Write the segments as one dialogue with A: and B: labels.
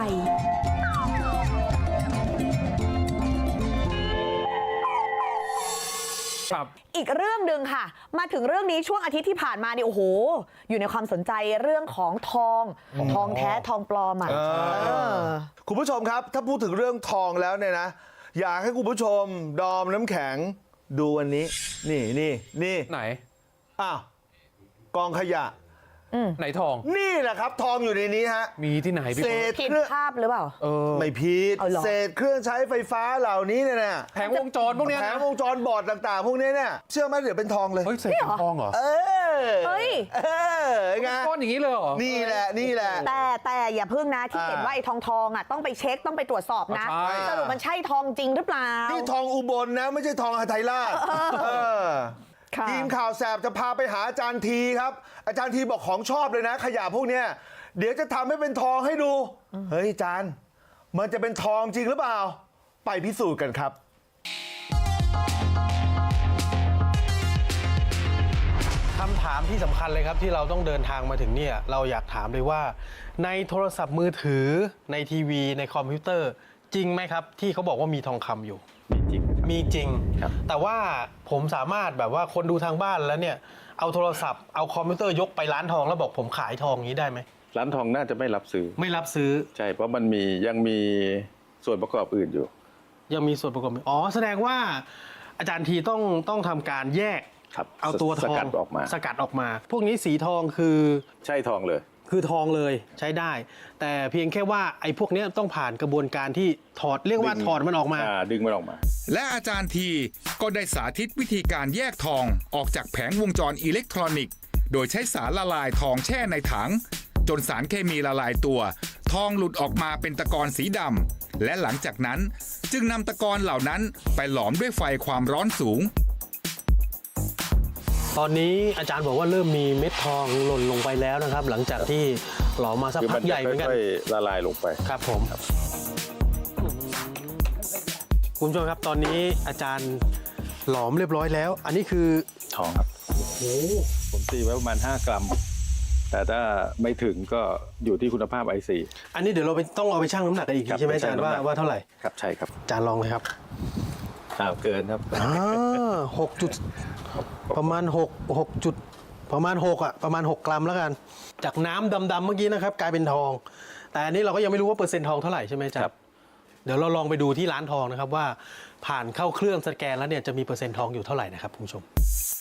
A: อีกเรื่องหนึ่งค่ะมาถึงเรื่องนี้ช่วงอาทิตย์ที่ผ่านมานี่โอ้โหอยู่ในความสนใจเรื่องของทองแท้ทองปลอมอ่ะ
B: คุณผู้ชมครับถ้าพูดถึงเรื่องทองแล้วเนี่ยนะอยากให้คุณผู้ชมดอมน้ำแข็งดูอันนี้นี่
C: ไหน
B: อ้าวกองขยะ
C: ไหนทอง
B: นี่แหละครับทองอยู่ในนี้ฮะ
C: มีที่ไหนพี่
A: ผิดภาพหรือเปล่า
B: ไม่ผิดเศษเครื่องใช้ไฟฟ้าเหล่านี้เนี่ย
C: แผงวงจรพวกนี้
B: แผงวงจรบอร์ดต่างๆพวกนี้เนี่ยเชื่อไหมเดี๋ยวเป็นทองเลย
C: เฮ้ยเศษเป็นทองเหรอ
A: เฮ้ย
B: ไง
C: ก้อนอย่างนี้เลยเหรอ
B: นี่แหละ
A: แต่อย่าพึ่งนะที่เห็นว่าไอ้ทองอ่ะต้องไปเช็คต้องไปตรวจสอบนะสรุปมันใช่ทองจริงหรือเปล่า
B: นี่ทองอุบลนะไม่ใช่ทองหทัยราชทีมข่าวแสบจะพาไปหาอาจารย์ทีครับอาจารย์ทีบอกของชอบเลยนะขยะพวกเนี้ยเดี๋ยวจะทำให้เป็นทองให้ดูเฮ้ยอาจารย์มันจะเป็นทองจริงหรือเปล่าไปพิสูจน์กันครับ
D: คำถามที่สำคัญเลยครับที่เราต้องเดินทางมาถึงเนี่ยเราอยากถามเลยว่าในโทรศัพท์มือถือในทีวีในคอมพิวเตอร์จริงไหมครับที่เขาบอกว่ามีทองคำอยู่มีจริงแต่ว่าผมสามารถแบบว่าคนดูทางบ้านแล้วเนี่ยเอาโทรศัพท์เอาคอมพิวเตอร์ยกไปร้านทองแล้วบอกผมขายทองอย่างนี้ได้ไหม
E: ร้านทองน่าจะไม่รับซื้อใช่เพราะมันยังมีส่วนประกอบอื่นอยู่
D: ยังมีส่วนประกอบอ๋อแสดงว่าอาจารย์ทีต้องทำการแยกเอาตัวทองสกัดออกมาพวกนี้สีทองคือ
E: ใช่ทองเลย
D: คือทองเลยใช้ได้แต่เพียงแค่ว่าไอ้พวกนี้ต้องผ่านกระบวนการที่ถอดเรียกว่าถอดมันออกมา
E: ดึงมันออกมา
F: และอาจารย์ทีก็ได้สาธิตวิธีการแยกทองออกจากแผงวงจรอิเล็กทรอนิกส์โดยใช้สารละลายทองแช่ในถังจนสารเคมีละลายตัวทองหลุดออกมาเป็นตะกอนสีดำและหลังจากนั้นจึงนำตะกอนเหล่านั้นไปหลอมด้วยไฟความร้อนสูง
D: ตอนนี้อาจารย์บอกว่าเริ่มมีเม็ดทองหล่นลงไปแล้วนะครับหลังจากที่หลอมมาสักพักใหญ่เหมือนกัน
E: ละลายลงไป
D: ครับผมคุณผู้ชมครับตอนนี้อาจารย์หลอมเรียบร้อยแล้วอันนี้คือ
E: ทองครับผมตีไว้ประมาณ5 กรัมแต่ถ้าไม่ถึงก็อยู่ที่คุณภาพ IC
D: อันนี้เดี๋ยวเราต้องเอาไปชั่งน้ำหนักกันอีกใช่ไหมอาจารย์ว่าเท่าไหร่
E: ครับใช่ครับ
D: อาจารย์ลองเลยครับ
E: เกินครับ
D: 6 จุดประมาณ6จุดประมาณ6อ่ะประมาณ6 กรัมแล้วกันจากน้ำดำๆเมื่อกี้นะครับกลายเป็นทองแต่อันนี้เราก็ยังไม่รู้ว่าเปอร์เซ็นต์ทองเท่าไหร่ใช่ไหมอาจารย์เดี๋ยวเราลองไปดูที่ร้านทองนะครับว่าผ่านเข้าเครื่องสแกนแล้วเนี่ยจะมีเปอร์เซ็นต์ทองอยู่เท่าไหร่นะครับคุณผู้ชม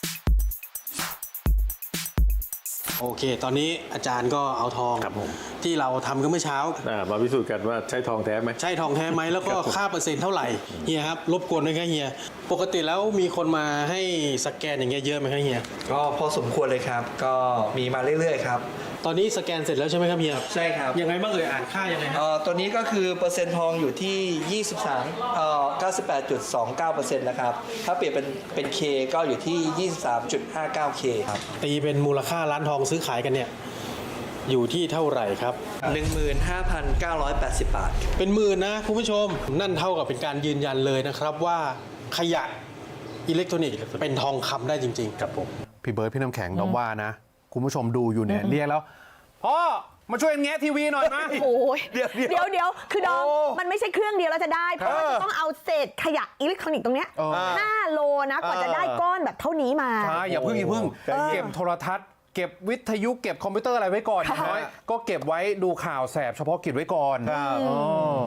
D: โอเคตอนนี้อาจารย์ก็เอาทองที่เราทำกันเมื่อเช้า
E: มาพิสูจน์กันว่าใช่ทองแท้ไหม
D: ใช่ทองแท้ไหมแล้วก็ค่าเปอร์เซ็นต์เท่าไหร่เฮียครับรบกวนด้วยครับเฮียปกติแล้วมีคนมาให้สแกนอย่างเงี้ยเยอะไหมครับเฮีย
G: ก็พอสมควรเลยครับก็มีมาเรื่อยๆครับ
D: ตอนนี้สแกนเสร็จแล้วใช่ไหมครับเฮีย
G: ใช่ครับ
D: ยังไงบ้างอ่านค่ายังไงครับ
G: ตัวนี้ก็คือเปอร์เซ็นต์ทองอยู่ที่98.29% นะครับถ้าเปลี่ยนเป็น K ก็อยู่ที่ 23.59K ครับ
D: ตีเป็นมูลค่าร้านทองซื้อขายกันเนี่ยอยู่ที่เท่าไหร่ครับ
G: 15,980 บาท
D: เป็นหมื่นนะคุณผู้ชมนั่นเท่ากับเป็นการยืนยันเลยนะครับว่าขยะอิเล็กทรอนิกส์เป็นทองคำได้จริงๆครับผม
C: พี่เบิร์ดพี่น้ำแข็งเราว่านะคุณผู้ชมดูอยู่เนี่ยเรียกแล้วพ่อมาช่วยแงะทีวีหน่อยนะ
A: โอ้ยเดี๋ยวคือดอมมันไม่ใช่เครื่องเดียวแล้วจะได้เพราะว่าจะต้องเอาเศษขยะอิเล็กทรอนิกส์ตรงเนี้ย5 โลนะกว่าจะได้ก้อนแบบเท่านี้มา
C: ใช่อย่าเพิ่งเก็บโทรทัศน์เก็บวิทยุเก็บคอมพิวเตอร์อะไรไว้ก่อนน้อยก็เก็บไว้ดูข่าวแสบเฉพาะกิจไว้ก่อน